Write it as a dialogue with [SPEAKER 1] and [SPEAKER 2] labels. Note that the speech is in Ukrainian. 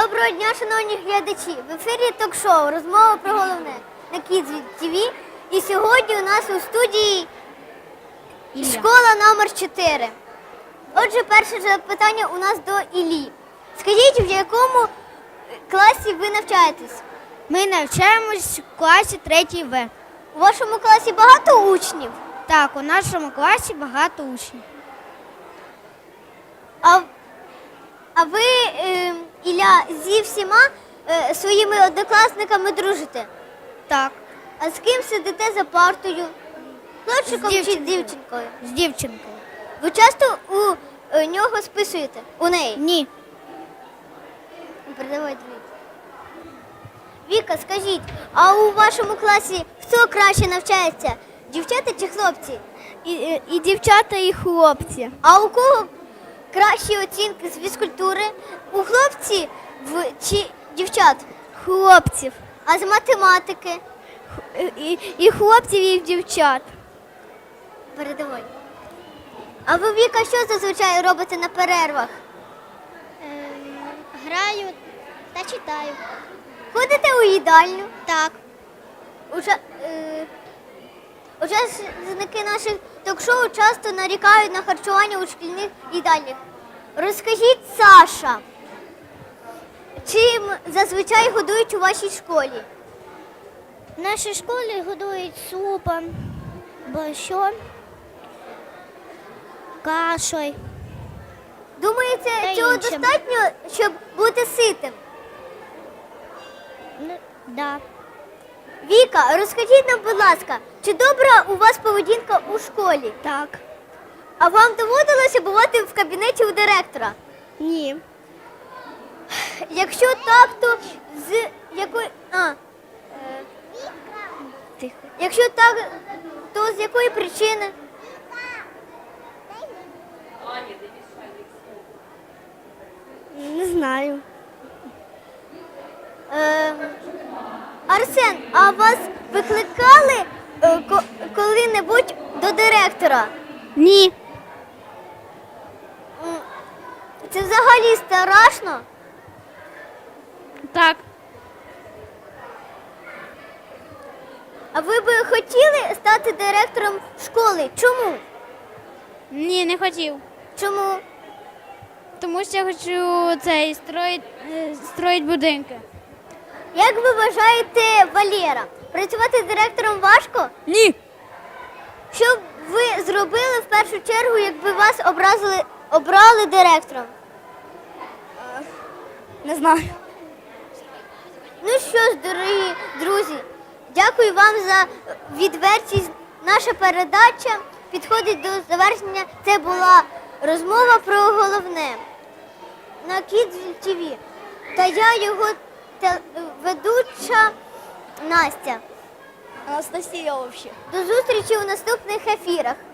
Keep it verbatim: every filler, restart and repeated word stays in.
[SPEAKER 1] Доброго дня, шановні глядачі! В ефірі ток-шоу «Розмова про головне» на Kids ті ві. І сьогодні у нас у студії
[SPEAKER 2] Ілля.
[SPEAKER 1] школа номер чотири. Отже, перше запитання у нас до Іллі. Скажіть, в якому класі ви навчаєтесь?
[SPEAKER 2] Ми навчаємось в класі третій В.
[SPEAKER 1] У вашому класі багато учнів?
[SPEAKER 2] Так, у нашому класі багато учнів.
[SPEAKER 1] А, а ви, е, Ілля, зі всіма е, своїми однокласниками дружите?
[SPEAKER 2] Так,
[SPEAKER 1] А з ким сидите за партою? Хлопчиком
[SPEAKER 2] З
[SPEAKER 1] чи
[SPEAKER 2] дівчинкою.
[SPEAKER 1] дівчинкою?
[SPEAKER 2] з дівчинкою.
[SPEAKER 1] Ви часто у е, нього списуєте? У неї?
[SPEAKER 2] Ні.
[SPEAKER 1] Передавай дві. Віка, скажіть, а у вашому класі хто краще навчається? Дівчата чи хлопці?
[SPEAKER 2] І, і дівчата, і хлопці.
[SPEAKER 1] А у кого кращі оцінки з фізкультури? У хлопці в, чи дівчат?
[SPEAKER 2] Хлопців.
[SPEAKER 1] А з математики?
[SPEAKER 2] І, і хлопців, і дівчат.
[SPEAKER 1] Передавай. А ви, Віка, що зазвичай робите на перервах?
[SPEAKER 2] Граю та читаю.
[SPEAKER 1] Ходите у їдальню?
[SPEAKER 2] Так.
[SPEAKER 1] Уча... Е... Учасники наших ток-шоу часто нарікають на харчування у шкільних їдальнях. Розкажіть, Саша, чим зазвичай годують у вашій школі?
[SPEAKER 2] В нашій школі годують супом, борщом, кашою.
[SPEAKER 1] Думаєте,
[SPEAKER 2] Та
[SPEAKER 1] цього
[SPEAKER 2] іншим.
[SPEAKER 1] достатньо, щоб бути ситим?
[SPEAKER 2] Ну, да.
[SPEAKER 1] Віка, розкажіть нам, будь ласка, чи добра у вас поведінка у школі?
[SPEAKER 2] Так.
[SPEAKER 1] А вам доводилося бувати в кабінеті у директора?
[SPEAKER 2] Ні.
[SPEAKER 1] Якщо так, то з якої... А, е,
[SPEAKER 2] Тихо.
[SPEAKER 1] якщо так, то з якої причини?
[SPEAKER 2] Не знаю.
[SPEAKER 1] Е, Арсен, а вас викликали е, ко- коли-небудь до директора?
[SPEAKER 2] Ні.
[SPEAKER 1] М, Це взагалі страшно?
[SPEAKER 2] Так.
[SPEAKER 1] А ви би хотіли стати директором школи? Чому?
[SPEAKER 2] Ні, не хотів.
[SPEAKER 1] Чому?
[SPEAKER 2] Тому що я хочу цей строїть, строїть будинки.
[SPEAKER 1] Як ви вважаєте, Валера, працювати директором важко?
[SPEAKER 2] Ні.
[SPEAKER 1] Що б ви зробили в першу чергу, якби вас образили, обрали директором?
[SPEAKER 2] Не знаю.
[SPEAKER 1] Ну що ж, дорогі друзі, дякую вам за відвертість. Наша передача підходить до завершення. Це була розмова про головне на Kids ті ві. Та я його те- ведуча Настя.
[SPEAKER 2] Анастасія взагалі.
[SPEAKER 1] До зустрічі у наступних ефірах.